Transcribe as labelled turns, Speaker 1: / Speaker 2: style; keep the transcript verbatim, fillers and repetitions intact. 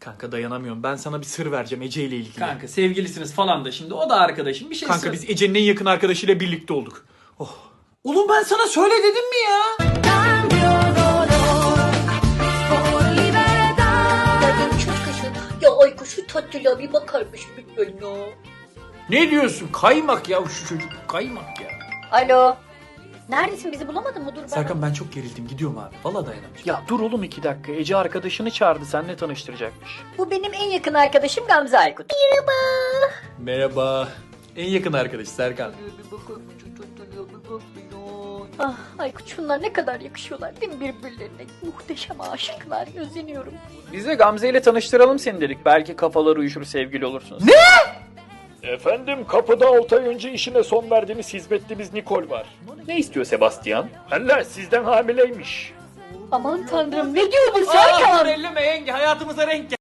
Speaker 1: Kanka dayanamıyorum. Ben sana bir sır vereceğim Ece ile ilgili.
Speaker 2: Kanka sevgilisiniz falan da şimdi o da arkadaşım bir şey
Speaker 1: Kanka
Speaker 2: söyle.
Speaker 1: biz Ece'nin en yakın arkadaşıyla birlikte olduk. Oh.
Speaker 2: Oğlum ben sana söyle dedim mi ya?
Speaker 3: Ya Ayko şu tatlılığa bir bakarmış lütfen ya.
Speaker 2: Ne diyorsun? Kaymak ya şu çocuk kaymak ya.
Speaker 3: Alo. Neredesin, bizi bulamadın mı? Dur ben.
Speaker 1: Serkan ben çok gerildim. Gidiyorum abi. Vallahi dayanamayacağım.
Speaker 4: Ya dur oğlum iki dakika. Ece arkadaşını çağırdı. Seninle tanıştıracakmış.
Speaker 3: Bu benim en yakın arkadaşım Gamze Aykut. Merhaba.
Speaker 1: Merhaba. En yakın arkadaş Serkan.
Speaker 3: Ah Aykut, şunlar ne kadar yakışıyorlar değil mi birbirlerine? Muhteşem aşıklar. Özleniyorum.
Speaker 4: Biz de Gamze ile tanıştıralım seni dedik. Belki kafalar uyuşur, sevgili olursunuz. Ne? Efendim kapıda altı ay önce işine son verdiğimiz hizmetlimiz Nikol var. Ne istiyor Sebastian? Allah sizden hamileymiş.
Speaker 3: Aman tanrım, ne diyor bu Serkan?
Speaker 1: elleme yenge, hayatımıza renk